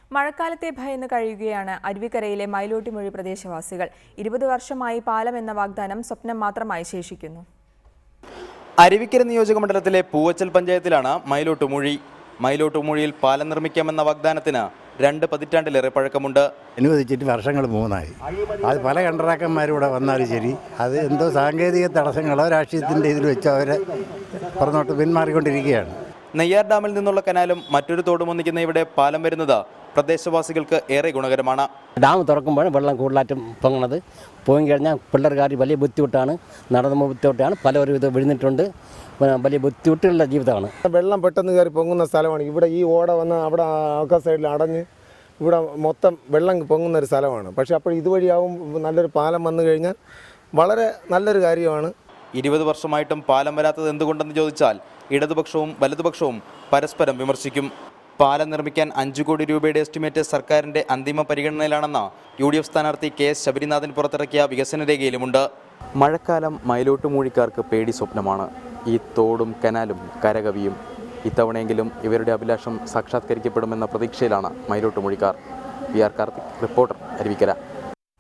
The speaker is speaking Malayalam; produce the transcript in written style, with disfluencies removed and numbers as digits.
മഴക്കാലത്തെ ഭയന്ന് കഴിയുകയാണ് അരുവിക്കരയിലെ മൈലോട്ടിമൂഴി പ്രദേശവാസികൾ. 20 വർഷമായി പാലം എന്ന വാഗ്ദാനം സ്വപ്നം മാത്രമായി ശേഷിക്കുന്നു. അരുവിക്കര നിയോജകമണ്ഡലത്തിലെ പൂവച്ചൽ പഞ്ചായത്തിലാണ് മൈലോട്ടുമൂഴി. മൈലോട്ടുമൂഴിയിൽ പാലം നിർമ്മിക്കാമെന്ന വാഗ്ദാനത്തിന് 2 പതിറ്റാണ്ടിലേറെ പഴക്കമുണ്ട്. അനുവദിച്ചിട്ട് വർഷങ്ങൾ 3ആയി. അത് പല കണ്ടറാക്കന്മാരും വന്നാലും ശരി, അത് എന്തോ സാങ്കേതിക തടസ്സങ്ങളോ രാഷ്ട്രീയത്തിൻ്റെ ഇതിൽ വെച്ച് അവരെ പുറന്നോട്ട് പിന്മാറിക്കൊണ്ടിരിക്കുകയാണ്. നെയ്യാർ ഡാമിൽ നിന്നുള്ള കനാലും മറ്റൊരു തോടും ഒന്നിക്കുന്ന ഇവിടെ പാലം വരുന്നത് പ്രദേശവാസികൾക്ക് ഏറെ ഗുണകരമാണ്. ഡാം തുറക്കുമ്പോഴാണ് വെള്ളം കൂടുതലായിട്ടും പൊങ്ങുന്നത്. പോയി കഴിഞ്ഞാൽ പിള്ളേർക്കാർ വലിയ ബുദ്ധിമുട്ടാണ്, നടന്ന ബുദ്ധിമുട്ടാണ്, പലരും ഇത് വിഴുന്നിട്ടുണ്ട്. വലിയ ബുദ്ധിമുട്ടുള്ള ജീവിതമാണ്. വെള്ളം പെട്ടെന്ന് കയറി പൊങ്ങുന്ന സ്ഥലമാണ്. ഇവിടെ ഈ ഓട വന്ന് അവിടെ ആൾക്കാർ സൈഡിൽ അടഞ്ഞ് ഇവിടെ മൊത്തം വെള്ളം പൊങ്ങുന്ന ഒരു സ്ഥലമാണ്. പക്ഷേ അപ്പോൾ ഇതുവഴിയാവും നല്ലൊരു പാലം വന്നു കഴിഞ്ഞാൽ വളരെ നല്ലൊരു കാര്യമാണ്. 20 വർഷമായിട്ടും പാലം വരാത്തത് എന്തുകൊണ്ടെന്ന് ചോദിച്ചാൽ ഇടതുപക്ഷവും വലതുപക്ഷവും പരസ്പരം വിമർശിക്കും. പാലം നിർമ്മിക്കാൻ 5 കോടി രൂപയുടെ എസ്റ്റിമേറ്റ് സർക്കാരിൻ്റെ അന്തിമ പരിഗണനയിലാണെന്ന് UDF സ്ഥാനാർത്ഥി KS ശബരിനാഥൻ പുറത്തിറക്കിയ വികസന രേഖയിലുമുണ്ട്. മഴക്കാലം മൈലോട്ടുമൂഴിക്കാർക്ക് പേടി സ്വപ്നമാണ്. ഈ തോടും കനാലും കരകവിയും. ഇത്തവണയെങ്കിലും ഇവരുടെ അഭിലാഷം സാക്ഷാത്കരിക്കപ്പെടുമെന്ന പ്രതീക്ഷയിലാണ് മൈലോട്ടുമൂഴിക്കാർ. PR Karthik, reporter, Aruvikkara.